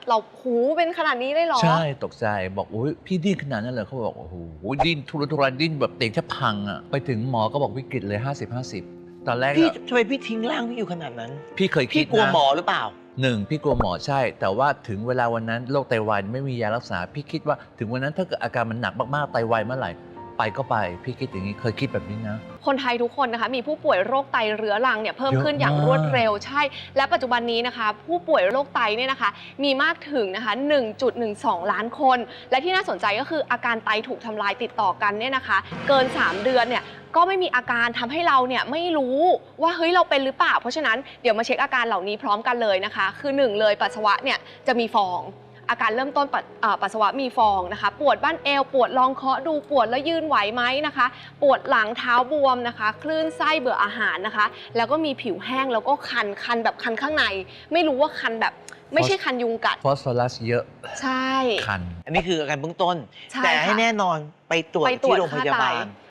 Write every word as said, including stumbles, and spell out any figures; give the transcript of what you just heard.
เราหูเป็นขนาดนี้เลยเหรอใช่ตกใจบอกอุ้ยพี่ดิ้นขนาดนั้นเลยเขาบอกโอ้โหดิ้นทุรนทุรายดิ้นแบบเตียงแทบพังอ่ะไปถึงหมอก็บอกวิกฤตเลย ห้าสิบ ห้าสิบ ตอนแรกพี่ทำไมพี่ทิ้งร่างพี่อยู่ขนาดนั้นพี่เคยคิพี่ดกลัวนะหมอหรือเปล่าหนึ่งพี่กลัวหมอใช่ แต่ว่าถึงเวลาวันนั้นโรคไตวายไม่มียารักษา พี่คิดว่าถึงวันนั้นถ้าเกิดอาการมันหนักมากๆไตวายเมื่อไหร่ไปก็ไปพี่คิดอย่างนี้เคยคิดแบบนี้นะคนไทยทุกคนนะคะมีผู้ป่วยโรคไตเรื้อรังเนี่ยเพิ่มเยอะขึ้นอย่างมากรวดเร็วใช่ และปัจจุบันนี้นะคะ ผู้ป่วยโรคไตเนี่ยนะคะมีมากถึงนะคะ หนึ่งจุดหนึ่งสอง ล้านคน และที่น่าสนใจก็คืออาการไตถูกทำลายติดต่อกันเนี่ยนะคะ เกิน สาม เดือนเนี่ยก็ไม่มีอาการทำให้เราเนี่ยไม่รู้ว่าเฮ้ยเราเป็นหรือเปล่า เพราะฉะนั้นเดี๋ยวมาเช็คอาการเหล่านี้พร้อมกันเลยนะคะ คือหนึ่งเลยปัสสาวะเนี่ยจะมีฟอง อาการเริ่มต้นปดเอ่อปัสสาวะมีฟองนะคะ ปวดบั้นเอวปวดลองเคาะดูปวดแล้วยืนไหวไหมนะคะ ปวดหลังเท้าบวมนะคะ คลื่นไส้เบื่ออาหารนะคะ แล้วก็มีผิวแห้งแล้วก็คันคันแบบคันข้างใน ไม่รู้ว่าคันแบบไม่ใช่คันยุงกัดฟอสฟอรัสเยอะใช่คันอันนี้คืออาการเบื้องต้นใช่แต่ให้ค่ะแน่นอนไปตรวจไปตรวที่จโรงพยาบาค่าลไต